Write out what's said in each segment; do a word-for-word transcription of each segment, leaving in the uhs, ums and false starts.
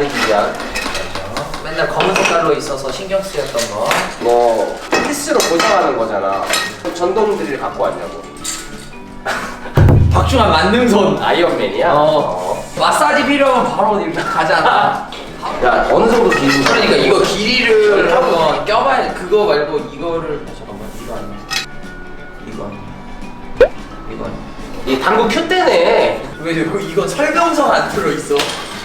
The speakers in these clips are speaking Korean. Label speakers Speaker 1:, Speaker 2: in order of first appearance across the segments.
Speaker 1: 다르기야.
Speaker 2: 맨날 검은 색깔로 있어서 신경 쓰였던 거.
Speaker 1: 뭐 피스로 고정하는 거잖아. 전동 드릴 갖고 왔냐고.
Speaker 2: 박중환 만능손.
Speaker 1: 아이언맨이야?
Speaker 2: 어. 마사지 필요하면 바로 이렇게 가잖아.
Speaker 1: 야 어느 정도 길이?
Speaker 2: 그러니까 이거 길이를 한번 껴봐야 돼. 그거 말고 이거를. 아, 잠깐만 이거 아니야. 이거 아니야. 이거 아니야.
Speaker 1: 이 당구 큐 때네.
Speaker 2: 왜 이거 이거 설명서 안 들어있어?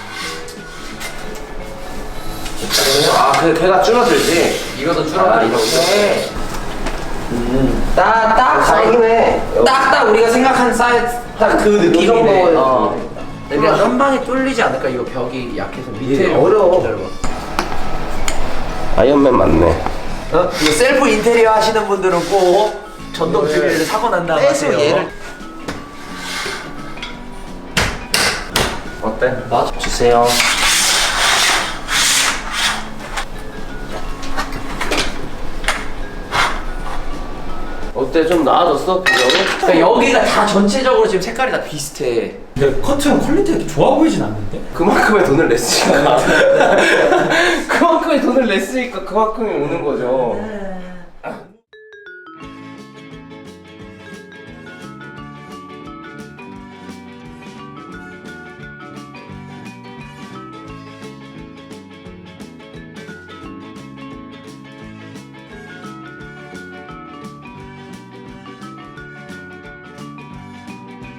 Speaker 1: 아, 그 걔가 줄어들지.
Speaker 2: 이것도
Speaker 1: 아,
Speaker 2: 줄어들고
Speaker 1: 이렇게.
Speaker 2: 음. 딱딱
Speaker 1: 다행이네.
Speaker 2: 딱딱 우리가 생각한 사이즈 딱 그 느낌이네.
Speaker 1: 정도의
Speaker 2: 어. 그냥 한 방에 뚫리지 않을까? 이거 벽이 약해서 밑에
Speaker 1: 어려워.
Speaker 2: 기다려봐.
Speaker 1: 아이언맨 맞네.
Speaker 2: 어? 이거 셀프 인테리어 하시는 분들은 꼭 전동 드릴을 사고 난 다음에
Speaker 1: 빼서
Speaker 2: 하세요.
Speaker 1: 얘를 어때?
Speaker 2: 맞아.
Speaker 1: 주세요. 어때? 좀 나아졌어? 비교로?
Speaker 2: 그러니까 여기가 다 전체적으로 지금 색깔이 다 비슷해.
Speaker 3: 근데 커튼 퀄리티가 좋아 보이진 않는데?
Speaker 1: 그만큼의 돈을 냈으니까. 그만큼의 돈을 냈으니까 그만큼이 오는 거죠.